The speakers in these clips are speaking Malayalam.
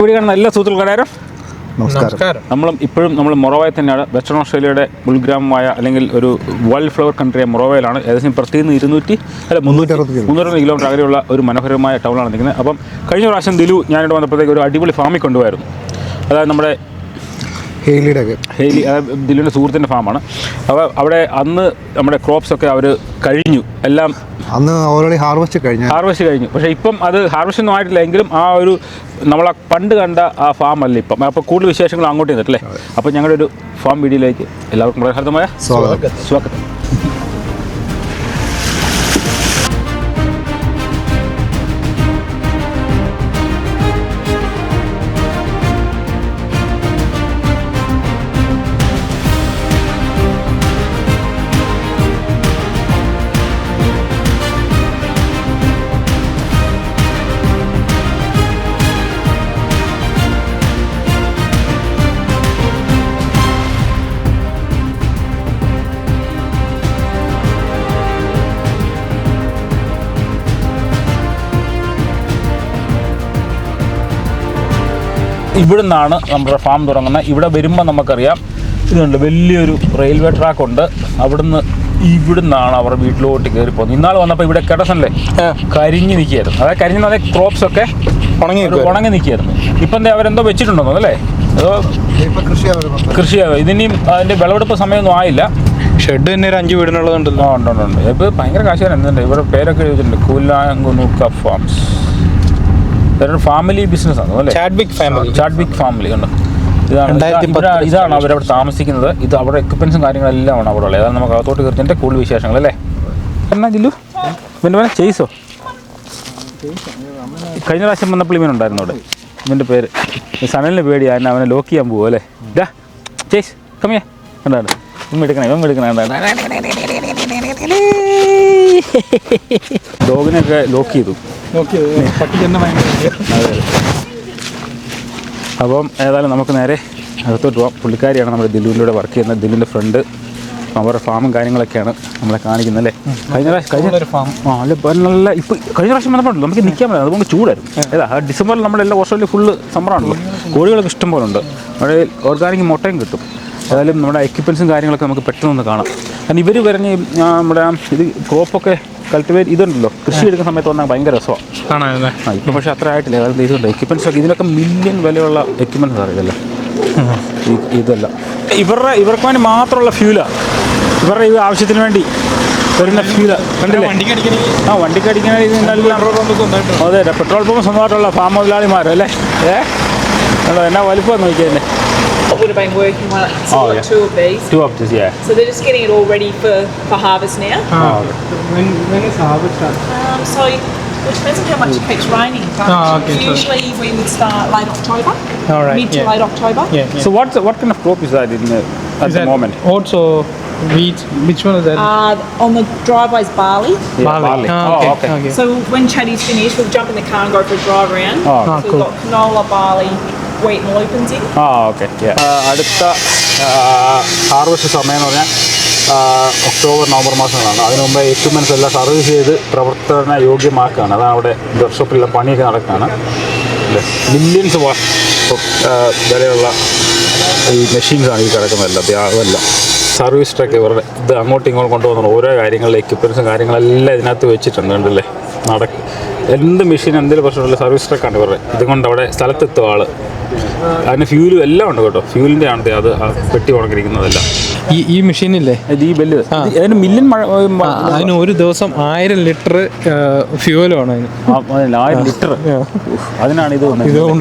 ഇവിടെ കാണുന്ന എല്ലാ സുഹൃത്തുക്കൾക്കാരും നമസ്കാരം. നമ്മൾ മൊറോവയിൽ തന്നെയാണ്. വെസ്റ്റേൺ ഓസ്ട്രേലിയയുടെ ഉൾഗ്രാമമായ അല്ലെങ്കിൽ ഒരു വൈൽഡ് ഫ്ലവർ കൺട്രിയായ മൊറോവയിലാണ്. ഏകദേശം പ്രത്യേകിച്ച് 360 കിലോമീറ്റർ അകലെയുള്ള ഒരു മനോഹരമായ ടൗണാണ് നിൽക്കുന്നത്. അപ്പം കഴിഞ്ഞ പ്രാവശ്യം ദിലു ഞാനിവിടെ വന്നപ്പോഴത്തേക്ക് ഒരു അടിപൊളി ഫാമിൽ കൊണ്ടുപോയിരുന്നു. അതായത് നമ്മുടെ ഹെയ്ലി ദിലുവിൻ്റെ സുഹൃത്തിൻ്റെ ഫാമാണ്. അപ്പോൾ അവിടെ അന്ന് നമ്മുടെ ക്രോപ്സൊക്കെ അവർ കഴിഞ്ഞു, എല്ലാം അന്ന് ഓൾറെഡി ഹാർവെസ്റ്റ് കഴിഞ്ഞു. പക്ഷേ ഇപ്പം അത് ഹാർവെസ്റ്റ് ഒന്നും ആയിട്ടില്ല. എങ്കിലും ആ ഒരു നമ്മളെ പണ്ട് കണ്ട ആ ഫാം അല്ല ഇപ്പം. അപ്പോൾ കൂടുതൽ വിശേഷങ്ങൾ അങ്ങോട്ട് ചെയ്തിട്ടല്ലേ. അപ്പോൾ ഞങ്ങളുടെ ഒരു ഫാം വീഡിയോയിലേക്ക് എല്ലാവർക്കും വളരെ ഹൃദയമായ സ്വാഗതം. ഇവിടെ നിന്നാണ് നമ്മുടെ ഫാം തുടങ്ങുന്നത്. ഇവിടെ വരുമ്പോൾ നമുക്കറിയാം ഇതുണ്ട്, വലിയൊരു റെയിൽവേ ട്രാക്കുണ്ട്. ഇവിടുന്നാണ് അവർ വീട്ടിലോട്ട് കയറി പോകുന്നത്. ഇന്നാൾ വന്നപ്പോൾ ഇവിടെ കിടസല്ലേ കരിഞ്ഞ് നിൽക്കുകയായിരുന്നു. അതായത് കരിഞ്ഞ ക്രോപ്സൊക്കെ ഉണങ്ങി നിൽക്കുകയായിരുന്നു. ഇപ്പം എന്താ അവരെന്തോ വെച്ചിട്ടുണ്ടോ അല്ലേ? അതോ കൃഷിയാകും. ഇതിനും അതിൻ്റെ വിളവെടുപ്പ് സമയമൊന്നും ആയില്ല. ഷെഡ് തന്നെ ഒരു 5 വീടിനുള്ളതുണ്ടല്ലോ. ഉണ്ട്. ഇപ്പോൾ ഭയങ്കര കാശുകാരൻ എന്തുണ്ട്. ഇവരുടെ പേരൊക്കെ എഴുതിയിട്ടുണ്ട്, കൂലാങ്കുനൂക്ക ഫാംസ്. ഫാമിലി ബിസിനസ്സാണ് അല്ലേ? ചാഡ്വിക് ഫാമിലി ഉണ്ട്. ഇതാണ് അവരവിടെ താമസിക്കുന്നത്. ഇത് അവിടെ എക്യുപ്മെൻസും കാര്യങ്ങളെല്ലാം ആണ് അവിടെ ഉള്ളത്. അതാണ് നമുക്ക് അകത്തോട്ട് കയറിൻ്റെ കൂടുതൽ വിശേഷങ്ങൾ അല്ലേ. എന്നാ ജില്ലു ഇവൻ്റെ ചെയ്സോ? കഴിഞ്ഞ പ്രാവശ്യം വന്നപ്പോൾ ഇവനുണ്ടായിരുന്നു അവിടെ. ഇവൻ്റെ പേര് സനലിന് പേടിയാ, എന്നെ അവനെ ലോക്ക് ചെയ്യാൻ പോകും അല്ലേ. ചെയ്സ് കമ്മിയാ എന്താണ് ഇവൻ എടുക്കണേ ഡോഗിനൊക്കെ ലോക്ക് ചെയ്തു. അപ്പം ഏതായാലും നമുക്ക് നേരെ അകത്തോട്ട് പോകാം. പുള്ളിക്കാരിയാണ് നമ്മുടെ ദിലുവിലൂടെ വർക്ക് ചെയ്യുന്നത്. ദിലുവിൻ്റെ ഫ്രണ്ട് അവരുടെ ഫാമും കാര്യങ്ങളൊക്കെയാണ് നമ്മളെ കാണിക്കുന്നത് അല്ലേ. കഴിഞ്ഞ ഫാം നല്ല ഇപ്പം കഴിഞ്ഞ പ്രാവശ്യം വന്നപ്പോഴല്ലോ നമുക്ക് നിൽക്കാൻ പറ്റില്ല, അതുകൊണ്ട് ചൂടായിരുന്നു. ഡിസംബറിൽ നമ്മുടെ എല്ലാ ഓസ്ട്രേലിയ ഫുള്ള് സമ്മറാണല്ലോ. കോഴികളൊക്കെ ഇഷ്ടം പോലെ ഉണ്ട്. അവിടെ ഓർഗാനിക് മുട്ടയും കിട്ടും. ഏതായാലും നമ്മുടെ എക്യുപ്മെൻസും കാര്യങ്ങളൊക്കെ നമുക്ക് പെട്ടെന്ന് കാണാം. കാരണം ഇവർ പറഞ്ഞ് നമ്മുടെ ഇത് ക്രോപ്പൊക്കെ കൾട്ടിവേറ്റ് ഇതുണ്ടല്ലോ, കൃഷി എടുക്കുന്ന സമയത്ത് വന്നാൽ ഭയങ്കര രസമാണ്. ഇപ്പം പക്ഷേ അത്ര ആയിട്ടില്ല. അതായത് ഇതുണ്ട് എക്യുപ്മെൻറ്റ്സ് ഒക്കെ, ഇതിനൊക്കെ മില്യൺ വിലയുള്ള എക്യുപ്മെൻറ്റ്സ് അറിയില്ല. ഇതല്ല ഇവർക്ക് വേണ്ടി മാത്രമുള്ള ഫ്യൂലാണ്. ഇവരുടെ ഈ ആവശ്യത്തിന് വേണ്ടി വരുന്ന ഫ്യൂല കണ്ടില്ലേ. വണ്ടിക്ക് അടിക്കുന്ന അതെ, പെട്രോൾ പമ്പ് സ്വന്തമായിട്ടുള്ള ഫാം മുതലാളിമാരല്ലേ. എന്നാ വലുപ്പം നോക്കിയതന്നെ. Would have been working on it. So two of these. Yeah. So they're just getting it all ready for harvest now. When is harvest start? So it depends on how much it keeps raining. But usually we would start late October, mid to late October. Yeah. So what kind of crop is that at the moment? Oats or wheat? Which one is that? On the driveway's barley. Barley. Okay. So when Chatty's finished, we'll jump in the car and go for a drive around. So cool. we've got canola, barley, wheat and lupins in. Okay. അടുത്ത ഹാർവസ്റ്റ് സമയം എന്ന് പറഞ്ഞാൽ ഒക്ടോബർ നവംബർ മാസങ്ങളാണ്. അതിനു മുമ്പ് എക്യുപ്മെൻറ്റ്സ് എല്ലാം സർവീസ് ചെയ്ത് പ്രവർത്തന യോഗ്യമാക്കുകയാണ്. അതാണ് അവിടെ വർക്ക്ഷോപ്പിലെല്ലാം പണിയൊക്കെ നടക്കുകയാണ്. മില്യൺസ് വിലയുള്ള ഈ മെഷീൻസാണ് ഈ കിടക്കുന്നതെല്ലാം. അതെല്ലാം സർവീസ് ട്രക്ക് ഇവരുടെ ഇത് അങ്ങോട്ടും ഇങ്ങോട്ടും കൊണ്ടുപോകുന്ന ഓരോ കാര്യങ്ങളിൽ എക്യുപ്മെൻറ്റ്സും കാര്യങ്ങളെല്ലാം ഇതിനകത്ത് വെച്ചിട്ടുണ്ട്. കണ്ടല്ലേ, എന്ത് മെഷീൻ എന്തെങ്കിലും പ്രശ്നമുള്ള സർവീസ് ട്രക്കാണ് ഇവരുടെ. ഇതുകൊണ്ട് അവിടെ സ്ഥലത്തെത്തും ആൾ. അതിന് ഫ്യൂലും എല്ലാം ഉണ്ട് കേട്ടോ. ഫ്യൂലിൻ്റെ ആണ് അത് പെട്ടി ഉണക്കിരിക്കുന്നതെല്ലാം. ഈ മെഷീനില്ലേ, ഈ ബെല്ല് അതിന് മില്യൺ അതിന് ഒരു ദിവസം 1000 ലിറ്റർ ഫ്യൂവലാണ് അതിന്. 1000 ലിറ്റർ. അതിനാണ് ഇത്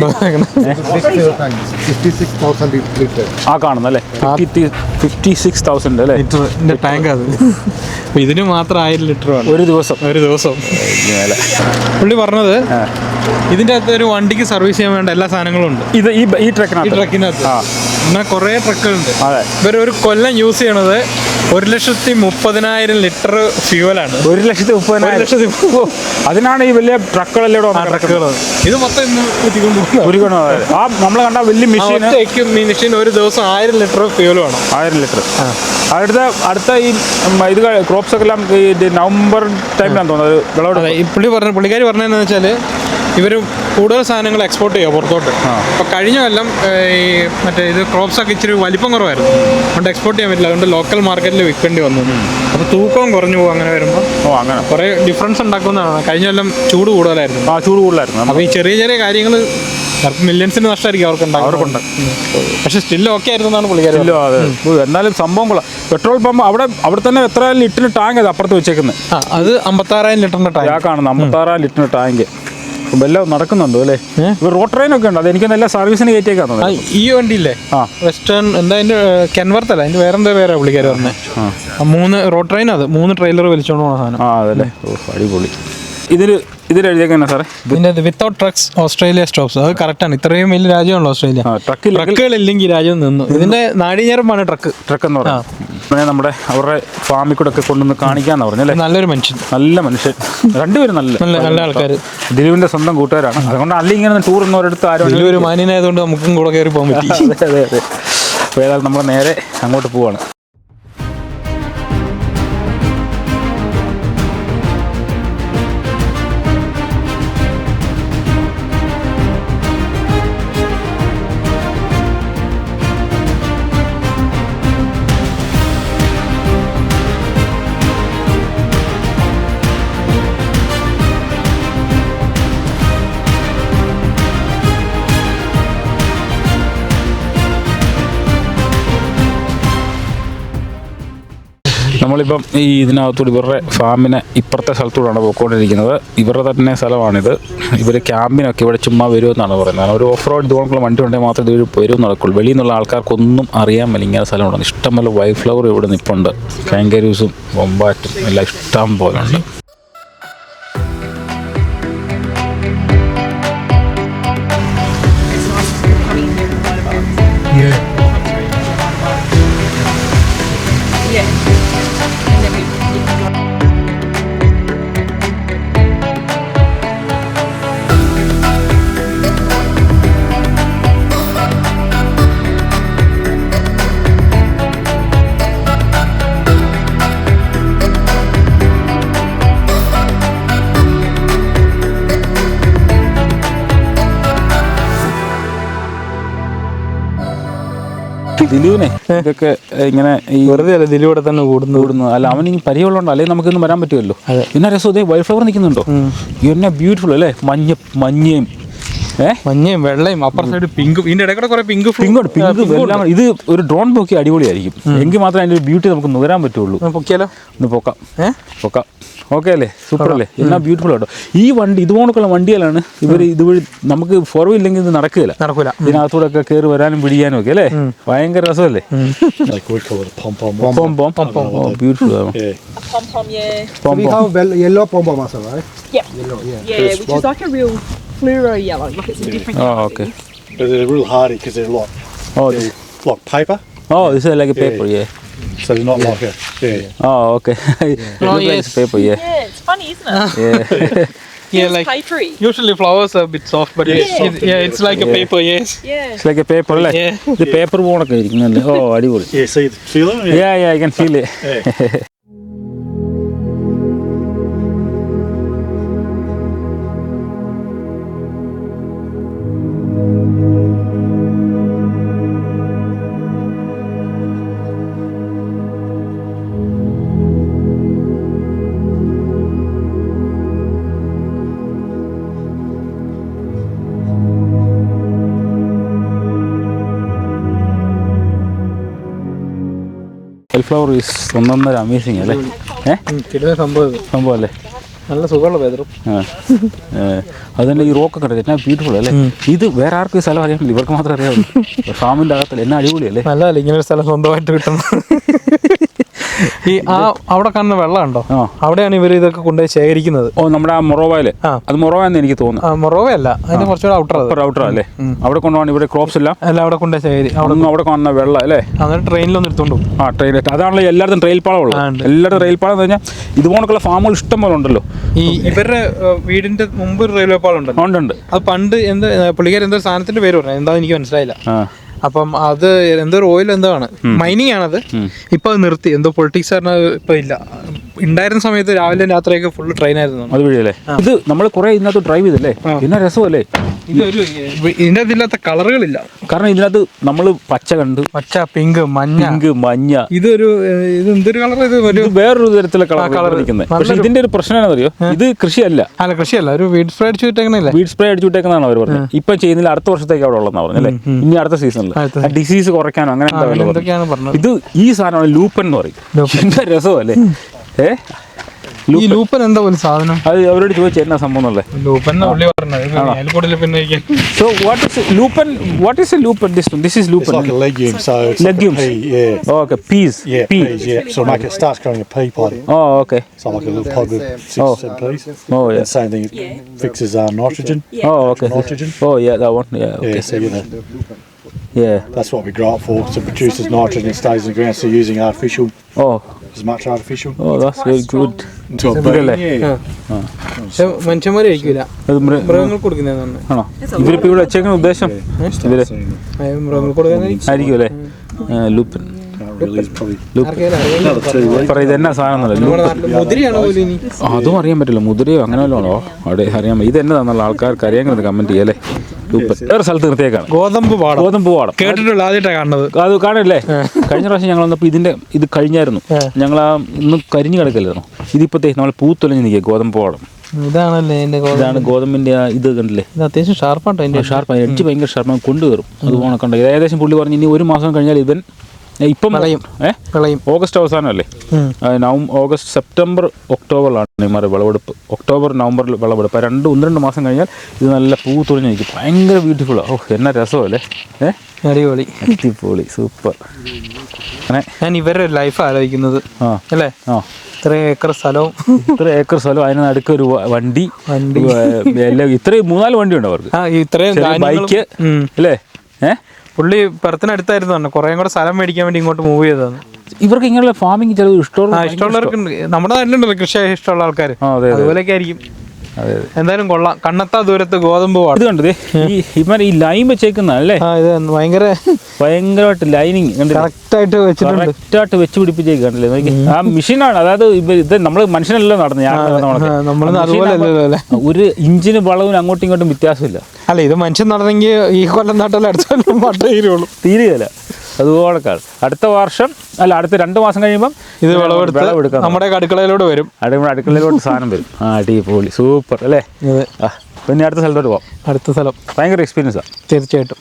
56,000 ആ കാണുന്നല്ലേ, 56,000 അല്ലേ ലിറ്ററിന്റെ ടാങ്ക്. അത് ഇതിന് മാത്രം 1000 ലിറ്റർ ആണ് ഒരു ദിവസം. പുള്ളി പറഞ്ഞത് ഇതിൻ്റെ അകത്ത് ഒരു വണ്ടിക്ക് സർവീസ് ചെയ്യാൻ വേണ്ട എല്ലാ സാധനങ്ങളും ഉണ്ട്. ഈ ട്രക്കിനകത്ത് എന്നാൽ കുറേ ട്രക്കുകളുണ്ട്. ഇവർ ഒരു കൊല്ലം യൂസ് ചെയ്യണത് 1,30,000 ലിറ്റർ ഫ്യൂവലാണ്. 1,30,000. അതിനാണ് ഈ വലിയ ട്രക്കുകളെല്ലാം ട്രക്കുകൾ. ഇത് മൊത്തം നമ്മൾ കണ്ട വലിയ മെഷീൻ ഒരു ദിവസം 1000 ലിറ്റർ ഫ്യൂവലാണ്. 1000 ലിറ്റർ. അടുത്ത ഈ ഇത് ക്രോപ്സ് ഒക്കെ എല്ലാം ഈ നവംബർ ടൈമിലാണ് തോന്നുന്നത് വിളവെടുപ്പ്. പുള്ളിക്കാരി പറഞ്ഞതെന്ന് വെച്ചാൽ ഇവർ കൂടുതൽ സാധനങ്ങൾ എക്സ്പോർട്ട് ചെയ്യുക പുറത്തോട്ട്. അപ്പോൾ കഴിഞ്ഞ കൊല്ലം ഈ മറ്റേ ഇത് ക്രോപ്സൊക്കെ ഇച്ചിരി വലിപ്പം കുറവായിരുന്നു, അതുകൊണ്ട് എക്സ്പോർട്ട് ചെയ്യാൻ പറ്റില്ല. അതുകൊണ്ട് ലോക്കൽ മാർക്കറ്റിൽ വിൽക്കേണ്ടി വന്നു. അപ്പോൾ തൂക്കവും കുറഞ്ഞു പോകും അങ്ങനെ വരുമ്പോൾ. അങ്ങനെ കുറേ ഡിഫറൻസ് ഉണ്ടാക്കുന്നതാണ്. കഴിഞ്ഞ കൊല്ലം ചൂട് കൂടുതലായിരുന്നു. ചൂട് കൂടുതലായിരുന്നു. അപ്പോൾ ഈ ചെറിയ ചെറിയ കാര്യങ്ങൾ മില്യൺസിന് നഷ്ടമായിരിക്കും അവർക്കുണ്ട്. പക്ഷെ സ്റ്റിൽ ഓക്കെ ആയിരുന്നു എന്നാണ് പുള്ളിക്കാരി. എന്നാലും സംഭവം കൊള്ളാം. പെട്രോൾ പമ്പ് അവിടെ തന്നെ എത്ര ലിറ്ററിന് ടാങ്ക് അത് അപ്പുറത്ത് വെച്ചേക്കുന്നത്? അത് 56,000 ലിറ്ററിന്റെ ടാങ്ക്. കാണുന്നത് 56,000 ലിറ്ററിന് ടാങ്ക്. എല്ലാം നടക്കുന്നുണ്ടോ അല്ലേ? റോഡ് ട്രെയിനൊക്കെ ഉണ്ട്. അത് എനിക്ക് നല്ല സർവീസിന് കയറ്റിയേക്കാണ്. ഈ വണ്ടിയില്ലേ വെസ്റ്റേൺ എന്താ അതിന്റെ കെൻവർത്ത് അല്ല, അതിന്റെ വേറെന്താ പേരാ പുള്ളിക്കാരി പറഞ്ഞത്. 3 റോഡ് ട്രെയിൻ, അത് 3 ട്രെയിലർ വലിച്ചോണ്ട് പോകുന്ന സാധനം. അതല്ലേ, അടിപൊളി. ഇതിലെഴുതിയേക്കാ സാറേ ഇതിന്റെ വിത്തൗട്ട് ട്രക്സ് ഓസ്ട്രേലിയ സ്റ്റോപ്സ്. അത് കറക്റ്റാണ്. ഇത്രയും വലിയ രാജ്യമാണല്ലോ ഓസ്ട്രേലിയ. ട്രക്കുകളില്ലെങ്കിൽ രാജ്യം നിന്നു. ഇതിന്റെ നാടിഞ്ഞേരമാണ് ട്രക്ക് എന്ന് പറഞ്ഞാൽ നമ്മുടെ അവരുടെ ഫാമിൽ കൂടെ ഒക്കെ കൊണ്ടുവന്ന് കാണിക്കാന്ന് പറഞ്ഞല്ലേ. നല്ലൊരു മനുഷ്യൻ, നല്ല മനുഷ്യൻ, രണ്ടുപേരും നല്ല ആൾക്കാർ. ദിലീപിന്റെ സ്വന്തം കൂട്ടുകാരാണ്. അതുകൊണ്ട് അല്ലെങ്കിൽ ഇങ്ങനെ ടൂർ ഒന്നൊരിടത്ത് ആരും ഒരു മാന്യനായതുകൊണ്ട് നമുക്കും കൂടെ കയറി പോകാൻ പറ്റി. അതെ. അപ്പോൾ ഏതായാലും നമ്മൾ നേരെ അങ്ങോട്ട് പോവാണ്. നമ്മളിപ്പം ഈ ഇതിനകത്തൂടെ ഇവരുടെ ഫാമിനെ ഇപ്പുറത്തെ സ്ഥലത്തൂടെയാണ് പോയിക്കൊണ്ടിരിക്കുന്നത്. ഇവരുടെ തന്നെ സ്ഥലമാണിത്. ഇവർ ക്യാമ്പിനൊക്കെ ഇവിടെ ചുമ്മാ വരുമെന്നാണ് പറയുന്നത്. ഒരു ഓഫ് റോഡ് ഇതുകൊണ്ടുള്ള വണ്ടി ഉണ്ടെങ്കിൽ മാത്രമേ ഇത് വരും നടക്കുള്ളൂ. വെളിയിൽ നിന്നുള്ള ആൾക്കാർക്കൊന്നും അറിയാൻ മേല ഇങ്ങനെ സ്ഥലമുണ്ട്. ഇഷ്ടംപോലെ വൈറ്റ് ഫ്ലവർ ഇവിടെ നിൽപ്പുണ്ട്. കാങ്കരൂസും വൊമ്പാറ്റും എല്ലാം ഇഷ്ടം പോലെ ഉണ്ട്. ദിലീപിനെ ഇതൊക്കെ ഇങ്ങനെ ഈ വെറുതെ അല്ല ദിലീപൂടെ തന്നെ കൂടുന്നു. അല്ല അവന് ഈ പരിചയമുള്ളതുകൊണ്ട് അല്ലെങ്കിൽ നമുക്കിന്ന് വരാൻ പറ്റുമല്ലോ. പിന്നെ രസം ഇതേ വൈറ്റ് ഫ്ലവർ നിൽക്കുന്നുണ്ടോ? എന്നെ ബ്യൂട്ടിഫുൾ അല്ലേ. മഞ്ഞയും മഞ്ഞയും വെള്ളയും അപ്പുറ സൈഡ് പിങ്കും. ഇതിന്റെ ഇടയ്ക്കൂടെ കുറെ പിങ്ക് എല്ലാം. ഇത് ഒരു ഡ്രോൺ പൊക്കി അടിപൊളിയായിരിക്കും. എങ്കിൽ മാത്രമേ അതിൻ്റെ ഒരു ബ്യൂട്ടി നമുക്ക് നുകരാൻ പറ്റുള്ളൂ. പൊക്കിയാലോ? ഒന്ന് പൊക്കാം. ഓക്കെ അല്ലേ? സൂപ്പർ അല്ലേ? എന്നാ ബ്യൂട്ടിഫുൾ ആട്ടോ. ഈ വണ്ടി ഇതുപോലുള്ള വണ്ടികളാണ് ഇവർ ഇതുവഴി നമുക്ക് ഫോർവില്ലെങ്കിൽ ഇത് നടക്കില്ല. ഇതിനകത്തൂടെ ഒക്കെ കയറി വരാനും പിടിക്കാനും ഒക്കെ അല്ലേ. ഭയങ്കര രസമല്ലേ? Beautiful. We have yellow pom-pom also, right? Yeah, which is like a real fluoro yellow. Like it's a different colour. Okay. But they're real hardy because they're like paper. This is like a paper, yeah. So they're not like a okay. It looks like paper, yeah. Yeah, it's funny, isn't it? Yeah, like papery. usually flowers are a bit soft, but it's like a paper. Yes. Yeah. It's like a paper, അല്ലേ? ഇത് പേപ്പർ പോണൊക്കെ ഇരിക്കുന്നല്ലേ. അടിപൊളി. Yeah, see the feel it? Yeah, I can feel it. Flower is ഒന്നൊന്നര അമേസിങ് അല്ലേ. സംഭവം അല്ലേ. നല്ല സുഖമുള്ള വെതറും. അത് തന്നെ ഈ റോക്കൊക്കെ ഉണ്ട്. എന്നാ ബ്യൂട്ടിഫുൾ അല്ലേ. ഇത് വേറെ ആർക്കും ഈ സ്ഥലം അറിയാൻ പറ്റില്ല. ഇവർക്ക് മാത്രമേ അറിയാവുള്ളൂ. ഫാമിൻ്റെ അകത്തല്ലേ. എന്നാ അടിപൊളിയല്ലേ. നല്ലതല്ലേ ഇങ്ങനെ ഒരു സ്ഥലം സ്വന്തമായിട്ട് കിട്ടുന്നത്. ഈ അവിടെ കാണുന്ന വെള്ളം ഉണ്ടോ? അവിടെയാണ് ഇവർ ഇതൊക്കെ കൊണ്ടുപോയി ശേഖരിക്കുന്നത്. നമ്മുടെ ആ മൊറോവയില്. അത് മൊറോവയെന്ന് എനിക്ക് തോന്നുന്നു. മൊറോവയല്ല, അതിന് കുറച്ചുകൂടെ ഔട്ടർ അല്ലേ. അവിടെ കൊണ്ടുപോകണം. ഇവിടെ ക്രോപ്സ് എല്ലാം അവിടെ കൊണ്ടുപോയി ശേഖരി. അവിടെ കാണുന്ന വെള്ളം അല്ലേ. എന്നിട്ട് ട്രെയിനിലൊന്നും എടുത്തോണ്ട് പോകും. ട്രെയിൻ. അതാണല്ലോ എല്ലായിടത്തും റെയിൽ പാളം ഉള്ളത്. എല്ലായിടത്തും റെയിൽ പാളം എന്ന് പറഞ്ഞാൽ ഇതുപോലുള്ള ഫാമുകൾ ഇഷ്ടം പോലെ ഉണ്ടല്ലോ. ഈ ഇവരുടെ വീടിന്റെ മുമ്പ് ഒരു റെയിൽവേ പാളം ഉണ്ട്. അത് പണ്ട് എന്ത് പുള്ളിക്കാർ എന്തോ സാധനത്തിന്റെ പേര് പറഞ്ഞു, എന്താ എനിക്ക് മനസ്സിലായില്ല. അപ്പം അത് എന്തോ ഓയിൽ എന്തോ ആണ്, മൈനിങ് ആണത്. ഇപ്പൊ അത് നിർത്തി. എന്തോ പൊളിറ്റിക്സ് പറഞ്ഞാൽ ഇപ്പൊ ഇല്ല. ഉണ്ടായിരുന്ന സമയത്ത് രാവിലെ രാത്രിയൊക്കെ ഫുള്ള് ട്രെയിൻ ആയിരുന്നു. അതുവഴിയല്ലേ ഇത് നമ്മൾ കുറെ ഇതിനകത്ത് ഡ്രൈവ് ചെയ്തല്ലേ, പിന്നെ രസമല്ലേ. ഇതൊരു ഇതിൻ്റെ അതില്ലാത്ത കളറുകളില്ല. കാരണം ഇതിനകത്ത് നമ്മൾ പച്ച കണ്ട്, പച്ച, പിങ്ക്, മഞ്ഞ. ഇതൊരു എന്തൊരു കളർ? ഇത് വേറൊരു തരത്തിലുള്ള കളർ നിൽക്കുന്നത്. പക്ഷെ ഇതിന്റെ ഒരു പ്രശ്നം എന്താണെന്നറിയോ, ഇത് കൃഷിയല്ല. അല്ല, കൃഷിയല്ല, ഒരു വീഡ് സ്പ്രേ അടിച്ചു വിട്ടേക്കണല്ലേ. വീഡ് സ്പ്രേ അടിച്ചു വിട്ടേക്കുന്നതാണ് അവർ പറഞ്ഞത്. ഇപ്പൊ ചെയ്യുന്നില്ല, അടുത്ത വർഷത്തേക്ക് അവിടെ ഉള്ളതെന്നാ പറഞ്ഞല്ലേ. ഇനി അടുത്ത സീസണിൽ ഡിസീസ് കുറയ്ക്കാനോ അങ്ങനെ എന്തൊക്കെയാണ് പറഞ്ഞത്. ഇത് ഈ സാധനമാണ് ലൂപ്പൻ എന്ന് പറയും. എന്താ രസമല്ലേ. ഈ ലൂപ്പൻ എന്താ പോലെ സാധനം? അത് അവരോട് ചോദിച്ചു എന്നാ സംഭവം അല്ലേ. ലൂപ്പൻ So what is lupin? What is a lupin? This is lupin. It's like a legume, so it's Legumes. like a pea, yeah. Oh, okay, peas. Yeah, Pea. peas, yeah. So make it starts growing a pea pod. Oh, okay. So like a little pod with 6 or 7 peas. Oh, yeah. And same thing, it fixes nitrogen. Oh, okay. Nitrogen. Oh, yeah, that one. Yeah, okay. Yeah, so you know, Yeah. that's what we grow it for. So it produces nitrogen, it stays in the ground. So you're using artificial, Oh, as much artificial. oh, that's very good. Into a Good, bean. അല്ലേ? പക്ഷെ മനുഷ്യന്മാര് കഴിക്കൂല, അത് മൃഗങ്ങൾക്ക് കൊടുക്കുന്നതാണ്. ആണോ ഇവരിപ്പോ ഇവിടെ വെച്ചേക്കുന്ന ഉദ്ദേശം? ഇവര് മൃഗങ്ങൾക്ക് കൊടുക്കുന്ന ആയിരിക്കും അല്ലേ. ലൂപ്പൻ Can't really, it's probably ആർക്കെങ്കിലും another 2 weeks. പറ ഇതെന്നാ സാധനം എന്നല്ലേ. നമ്മുടെ നാട്ടില് മുതിരയാണ് പോലും ഇനി. അതും അറിയാൻ പറ്റില്ല, മുതിരയോ അങ്ങനെ വല്ലതും ആണോ അവിടെ അറിയാൻ. ഇത് എന്നതാണെന്നുള്ള ആൾക്കാർക്ക് അറിയാമെന്ന് കമന്റ് ചെയ്യല്ലേ. ലൂപ്പൻ വേറെ സ്ഥലത്ത് നിർത്തിയേക്കാണ്. ഗോതമ്പ് പാടം പാടം കേട്ടിട്ടുള്ള ആദ്യമായിട്ടാണ് കാണുന്നത്. അത് കാണില്ലേ. കഴിഞ്ഞ പ്രാവശ്യം ഞങ്ങൾ വന്നപ്പോൾ ഇത് കഴിഞ്ഞായിരുന്നു. ഞങ്ങൾ ഇന്ന് കരിഞ്ഞു കിടക്കല്ലായിരുന്നു. ഇതിപ്പോഴത്തേ നമ്മൾ പൂത്തൊലഞ്ഞ് നിൽക്കുക ഗോതമ്പ് പാടം. ഇതാണല്ലേ എന്റെ ഇതാണ് ഗോതമ്പിന്റെ ഇത് കണ്ടില്ലേ. ഇത് അത്യാവശ്യം ഷാർപ്പാട്ടോ. അതിന്റെ ഷാർപ്പാണ്, എഡ്ജ് ഭയങ്കര ഷാർപ്പാണ്, കൊണ്ടുവരും. അത് പോണക്കണ്ട. ഇത് ഏകദേശം പുള്ളി പറഞ്ഞ് ഇനി 1 മാസം കഴിഞ്ഞാൽ ഇവൻ ഇപ്പം വിളയും. ഓഗസ്റ്റ് അവസാനമല്ലേ. ഓഗസ്റ്റ് സെപ്റ്റംബർ ഒക്ടോബറിലാണ് ഇമാർ വിളവെടുപ്പ്. ഒക്ടോബർ നവംബറിൽ വിളവെടുപ്പ്. 1-2 മാസം കഴിഞ്ഞാൽ ഇത് നല്ല പൂ തുറഞ്ഞ് നിൽക്കും. ഭയങ്കര ബ്യൂട്ടിഫുള്ളാണ്. ഓ എന്നാ രസമല്ലേ. അടിപൊളി, അടിപൊളി, സൂപ്പർ. അങ്ങനെ ഞാൻ ഇവരുടെ ലൈഫ് ആലോചിക്കുന്നത് അല്ലേ. ഇത്ര ഏക്കർ സ്ഥലവും അതിന് നടുക്ക് ഒരു വണ്ടി എല്ലാം. ഇത്രയും 3-4 വണ്ടി ഉണ്ട് അവർക്ക്. ഇത്രയും ബൈക്ക് അല്ലേ. പുള്ളി പെർത്തിനടുത്തായിരുന്നു പറഞ്ഞു. കുറേ കൂടെ സ്ഥലം മേടിക്കാൻ വേണ്ടി ഇങ്ങോട്ട് മൂവ് ചെയ്തതാണ്. ഇവർക്ക് ഇങ്ങനെയുള്ള ഫാമിംഗ് ചിലത് ഇഷ്ടമുള്ളവർക്ക് നമ്മുടെ നാട്ടിലുണ്ടല്ലോ കൃഷി ഇഷ്ടമുള്ള ആൾക്കാർ, അതുപോലെയൊക്കെ ആയിരിക്കും. എന്തായാലും കൊള്ളാം. കണ്ണത്താ ദൂരത്ത് ഗോതമ്പ് ഇത് കണ്ടത് ഈ ലൈൻ വെച്ചേക്കുന്ന അല്ലേ. ഇത് ഭയങ്കരമായിട്ട് ലൈനിങ് കറക്റ്റായിട്ട് വെച്ചിട്ടുണ്ട്. കറക്റ്റായിട്ട് വെച്ച് പിടിപ്പിച്ചേക്കണ്ടല്ലേ. ആ മെഷീനാണ്. അതായത് ഇത് നമ്മൾ മനുഷ്യനല്ലോ നടന്നത്. ഒരു ഇഞ്ചിന് വളവിന് അങ്ങോട്ടും ഇങ്ങോട്ടും വ്യത്യാസമില്ല. അല്ല, ഇത് മനുഷ്യൻ നടന്നെങ്കിൽ ഈ കൊല്ലം നാട്ടിൽ അടുത്ത കൊല്ലം മട്ട തീരുള്ളൂ. തീരുകയില്ല. അതുപോലെക്കാണ്. അടുത്ത 2 മാസം കഴിയുമ്പം ഇത് വിളവെടുക്കാം. നമ്മുടെ അടുക്കളയിലോട്ട് വരും. അടുക്കളയിലോട്ട് സാധനം വരും. അടിപൊളി, സൂപ്പർ അല്ലേ. പിന്നെ അടുത്ത സ്ഥലത്തോട്ട് പോവാം. അടുത്ത സ്ഥലം ഭയങ്കര എക്സ്പീരിയൻസാണ് തീർച്ചയായിട്ടും.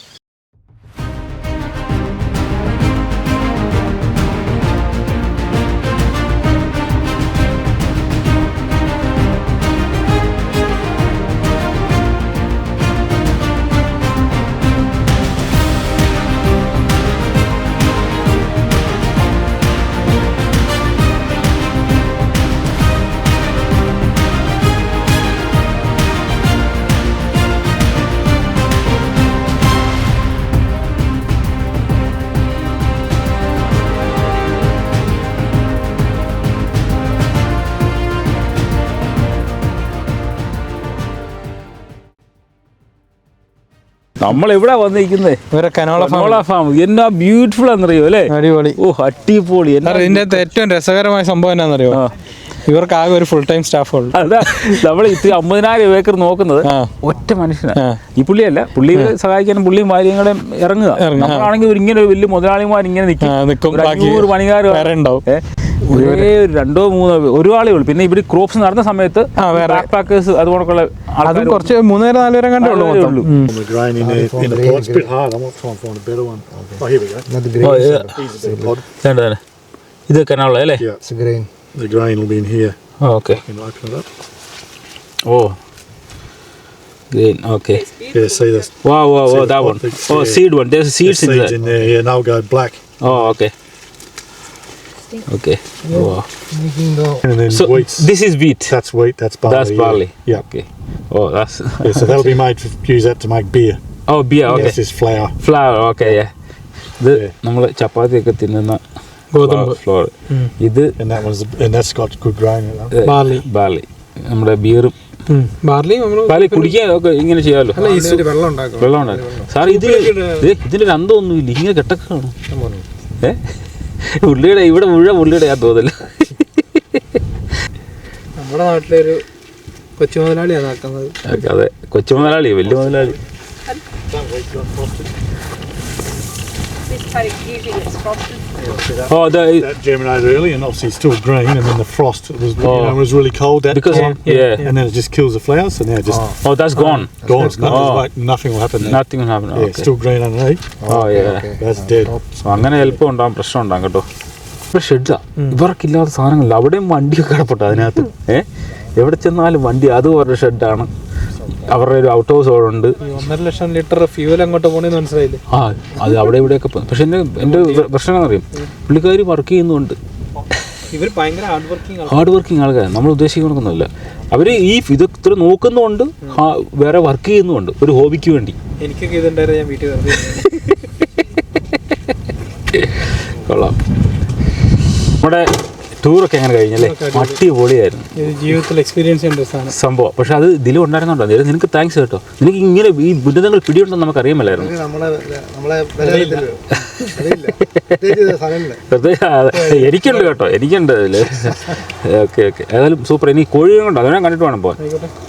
നമ്മൾ എവിടെ വന്നിരിക്കുന്നത്? Canola farm. എന്നാ ബ്യൂട്ടിഫുൾ ആണെന്നറിയോ അല്ലേ. അടിപൊളി. ഓ അടിപൊളി. ഇതിന്റെ ഏറ്റവും രസകരമായ സംഭവം എന്നാന്നറിയോ, ഇവർക്ക് ആകെ ഒരു ഫുൾ ടൈം സ്റ്റാഫ് ഉള്ളു. അതാ നമ്മൾ 50,000 ഏക്കർ നോക്കുന്നത് ഒറ്റ മനുഷ്യനാണ്. ഈ പുള്ളിയല്ല, പുള്ളിയെ സഹായിക്കാനും പുള്ളിയും ഭാര്യങ്ങളെ ഇറങ്ങുക. നമ്മളാണെങ്കിൽ ഇങ്ങനെ ഒരു വലിയ മുതലാളിമാർ ഇങ്ങനെ നിൽക്കും. 500 പണിക്കാർ ഉണ്ടാവും. ഒരേ 2-3 ഒരാളേ ഉള്ളൂ. പിന്നെ ഇവിടെ ക്രോപ്സ് നടന്ന സമയത്ത് പാക്കേഴ്സ് അതുകൊണ്ടൊക്കെയുള്ള അതും കുറച്ച് 3-4 പേരെ കണ്ടേ ഉള്ളൂ. The grain in the pot, it's a bit hard. I'm trying to find a better one. Oh, here we go. Here's a better pod. ഇത് കനാലുള്ള അല്ലേ. Yeah, it's a grain. The grain will be in here. Okay. You can open it up. Oh. Green. Okay. Yeah, see this. Wow, that one. Oh, seed one. There's seeds in there. In there. Yeah, and they'll go black. Oh, okay. Okay. Wow. And then So wheat. this is wheat. That's wheat. That's barley. That's barley. Yeah. Okay. Oh, that's. Yeah, so that'll be made. Use that to make beer. Oh, beer. Okay. This is flour. Flour. Okay. Yeah. ഇത് നമ്മൾ ചപ്പാത്തിയൊക്കെ തിന്നുന്ന ഗോതമ്പ് ഫ്ലോർ. ഇത് and that's got good grain in it. Barley. നമ്മുടെ ബിയറും ബാർലി കുടിക്കാൻ ഒക്കെ ഇങ്ങനെ ചെയ്യാമല്ലോ. വെള്ളം ഉണ്ടാക്കും സാർ. ഇതിന്റെ ഒരു അന്തമൊന്നുമില്ല, ഇങ്ങനെ കെട്ടക്കാണ്. പുള്ളിയുടെ ഇവിടെ മുഴുവൻ പുള്ളിയുടെ ഞാൻ തോന്നില്ല. നമ്മുടെ നാട്ടിലൊരു കൊച്ചു മുതലാളിയാണ് ആക്കുന്നത്. അതെ, കൊച്ചു മുതലാളി, വലിയ മുതലാളി. This paddock usually gets frosted. Oh, That germinated early and obviously still green, and then the frost was, was really cold that because time. yeah. And then it just kills the flowers, so now it just Oh, that's gone. gone. Nothing will happen there. Nothing will happen. Yeah, Okay. still green underneath. Oh yeah. That's dead. So അങ്ങനെ എളുപ്പം ഉണ്ടാകും, പ്രശ്നം ഉണ്ടാകും കേട്ടോ. ഇപ്പോൾ ഷെഡാ, ഇവർക്കില്ലാത്ത സാധനങ്ങളില്ല. അവിടെയും വണ്ടിയൊക്കെ കിടപ്പുണ്ട് അതിനകത്ത്. എവിടെ ചെന്നാലും വണ്ടി, അതും അവരുടെ ഷെഡാണ്. അവരുടെ ഒരു ഔട്ട് ഹൗസ് അവിടെ ഉണ്ട്. 1.5 ലക്ഷം ലിറ്റർ ഫ്യൂവൽ അങ്ങോട്ട് പോകണമെന്ന് മനസ്സിലായില്ലേ? ആ, അത് അവിടെ ഇവിടെയൊക്കെ പോകും. പക്ഷെ എൻ്റെ പ്രശ്നം എന്നറിയും, പുള്ളിക്കാർ വർക്ക് ചെയ്യുന്നുണ്ട്. ഇവർ ഭയങ്കര ഹാർഡ് വർക്കിംഗ് ആൾക്കാരാണ്, നമ്മൾ ഉദ്ദേശിക്കുന്നൊന്നുമില്ല. അവർ ഈ ഇത് ഇത്ര നോക്കുന്നുണ്ട്, വേറെ വർക്ക് ചെയ്യുന്നുണ്ട് ഒരു ഹോബിക്ക് വേണ്ടി. എനിക്കൊക്കെ ഇതുണ്ടായിരുന്നു, ഞാൻ വീട്ടിൽ വെറുതെ കൊള്ളാം. നമ്മുടെ ടൂറൊക്കെ എങ്ങനെ കഴിഞ്ഞല്ലേ? അടിപൊളിയായിരുന്നു, ജീവിതത്തിൽ എക്സ്പീരിയൻസ് ചെയ്യേണ്ട സാധനം സംഭവം. പക്ഷെ അത് ഇതിലും ഉണ്ടായിരുന്നുണ്ടോ? നിനക്ക് താങ്ക്സ് കേട്ടോ. നിനക്ക് ഇങ്ങനെ ഈ ബുദ്ധിമുട്ടുകൾ പിടിയുണ്ടെന്ന് നമുക്ക് അറിയാമല്ലായിരുന്നു. എനിക്കുണ്ട് കേട്ടോ, എനിക്കുണ്ട് അതിൽ. ഓക്കെ ഓക്കെ, ഏതായാലും സൂപ്പർ. ഇനി കോഴിയും കൊണ്ട് അതിനെ കണ്ടിട്ട് വേണം പോകാൻ.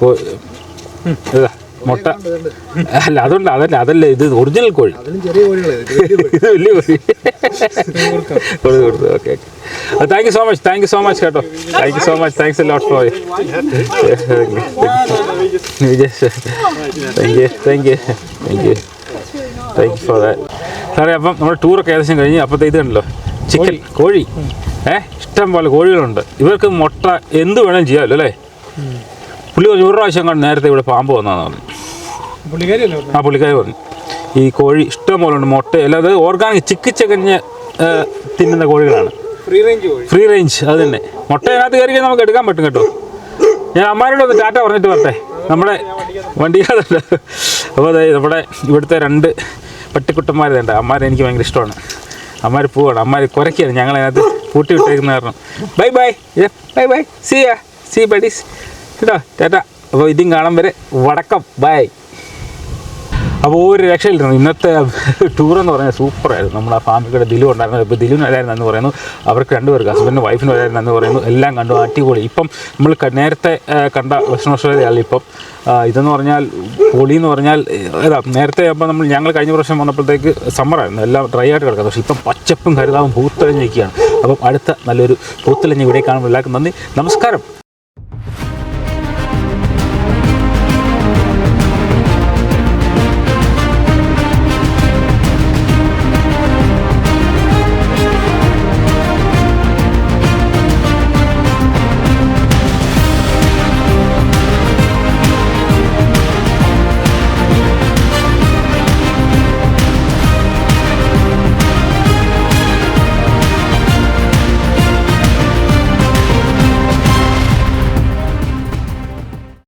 മുട്ട അല്ല, അതുകൊണ്ട് അതല്ല ഇത് ഒറിജിനൽ കോഴി, ഇത് വലിയ കോഴി കൊടുത്തു. Okay okay, thank you so much, thank you so much കേട്ടോ. Thank you so much, thanks a lot for thank you thank you thank you thank you for that. സാറേ, അപ്പം നമ്മുടെ ടൂറൊക്കെ ഏകദേശം കഴിഞ്ഞ്. അപ്പോഴത്തെ ഇത് കണ്ടല്ലോ, ചിക്കൻ, കോഴി, ഇഷ്ടം പോലെ കോഴികളുണ്ട്. ഇവർക്ക് മുട്ട എന്ത് വേണമെങ്കിലും ചെയ്യാമല്ലോ അല്ലേ? പുള്ളി ഒരു പ്രാവശ്യം കണ്ട് നേരത്തെ ഇവിടെ പാമ്പ് വന്നതെന്ന് പറഞ്ഞു. പുള്ളിക്കാരി പറഞ്ഞു ഈ കോഴി ഇഷ്ടം പോലെ ഉണ്ട്, മുട്ട അല്ലാതെ ഓർഗാനിക് ചിക്കിച്ചകഞ്ഞ് തിന്നുന്ന കോഴികളാണ്, ഫ്രീ റേഞ്ച്. അത് തന്നെ, മുട്ട അതിനകത്ത് കയറി നമുക്ക് എടുക്കാൻ പറ്റും കേട്ടോ. ഞാൻ അമ്മാരോട് ഒന്ന് ടാറ്റ പറഞ്ഞിട്ട് വരട്ടെ, നമ്മുടെ വണ്ടിക്കകത്തുണ്ട്. അപ്പോൾ അതായത് നമ്മുടെ ഇവിടുത്തെ 2 പട്ടിക്കുട്ടന്മാരുണ്ട്. അമ്മാരെ എനിക്ക് ഭയങ്കര ഇഷ്ടമാണ്. അമ്മാർ പോവാണ്, അമ്മാർ കുരയ്ക്കാണ് ഞങ്ങളതിനകത്ത് പൂട്ടി വിട്ടേക്കുന്ന കാരണം. Bye bye bye bye, see buddies കേട്ടോ, ടാറ്റ. അപ്പോൾ ഇതും കാണാൻ വരെ വടക്കം, ബൈ. അപ്പോൾ ഒരു രക്ഷയില്ലായിരുന്നു ഇന്നത്തെ ടൂറെന്ന് പറഞ്ഞാൽ. സൂപ്പറായിരുന്നു. നമ്മൾ ആ ഫാമിലിയുടെ ദിലു ഉണ്ടായിരുന്നു. ഇപ്പോൾ ദിലുവിന് വരായിരുന്നു എന്ന് പറയുന്നു, അവർക്ക് 2 പേർക്ക്, ഹസ്ബൻഡിനും വൈഫിനും വരായിരുന്നു എന്ന് പറയുന്നു. എല്ലാം കണ്ടു, അടിപൊളി. ഇപ്പം നമ്മൾ നേരത്തെ കണ്ട ഭക്ഷണശാലയല്ല ഇപ്പം. ഇതെന്ന് പറഞ്ഞാൽ പൊളിയെന്ന് പറഞ്ഞാൽ നേരത്തെ അപ്പം ഞങ്ങൾ കഴിഞ്ഞ പ്രാവശ്യം വന്നപ്പോഴത്തേക്ക് സമ്മറായിരുന്നു, എല്ലാം ഡ്രൈ ആയിട്ട് കിടക്കുന്നത്. പക്ഷേ ഇപ്പം പച്ചപ്പും ഹരിതാവും പൂത്തലഞ്ഞിരിക്കുകയാണ്. അപ്പം അടുത്ത നല്ലൊരു പൂത്തലഞ്ഞ് ഇവിടെ കാണുമ്പോൾ എല്ലാവർക്കും നന്ദി, നമസ്കാരം.